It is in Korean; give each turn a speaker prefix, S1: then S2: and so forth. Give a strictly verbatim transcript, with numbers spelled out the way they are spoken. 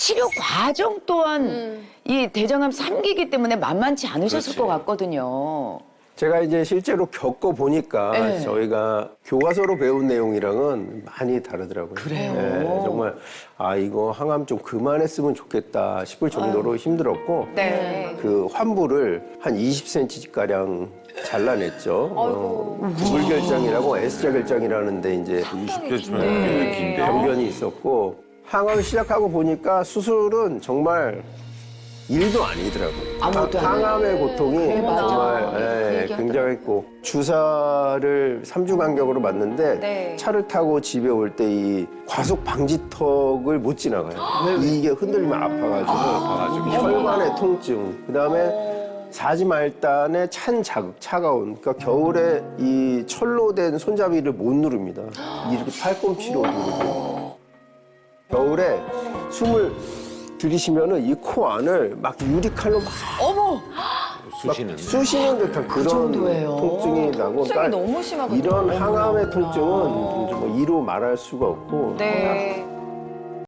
S1: 치료 과정 또한
S2: 음.
S1: 이 대장암 삼 기이기 때문에 만만치 않으셨을 것 같거든요.
S3: 제가 이제 실제로 겪어 보니까
S1: 네.
S3: 저희가 교과서로 배운 내용이랑은 많이 다르더라고요.
S1: 그래요?
S3: 네, 정말 아 이거 항암 좀 그만했으면 좋겠다 싶을 정도로 힘들었고
S1: 네.
S3: 그 환부를 한 이십 센티미터 가량 잘라냈죠. 어, 물결장이라고 S자 결장이라는데 이제
S4: 이십 개면 굉장히 긴데.
S3: 병변이 있었고 항암을 시작하고 보니까 수술은 정말 일도 아니더라고요.
S1: 아무것도
S3: 항- 항암의 고통이
S1: 그래, 맞아.
S3: 정말 예, 굉장했고 주사를 삼 주 간격으로 맞는데
S2: 네.
S3: 차를 타고 집에 올 때 이 과속 방지턱을 못 지나가요. 이게 흔들리면 아파가지고, 아파가지고 혈관의 통증, 그다음에 사지 말단의 찬 자극, 차가운. 그러니까 겨울에 이 철로 된 손잡이를 못 누릅니다. 이렇게 팔꿈치로 누르고. 겨울에 숨을 들이쉬면은 이 코 안을 막 유리칼로 막
S1: 어머!
S4: 쑤시는.
S3: 쑤시는 듯한 그런
S1: 정도예요?
S3: 통증이 나고.
S2: 통증이 너무 심하거든요.
S3: 이런 항암의 통증은 뭐 이로 말할 수가 없고.
S2: 네.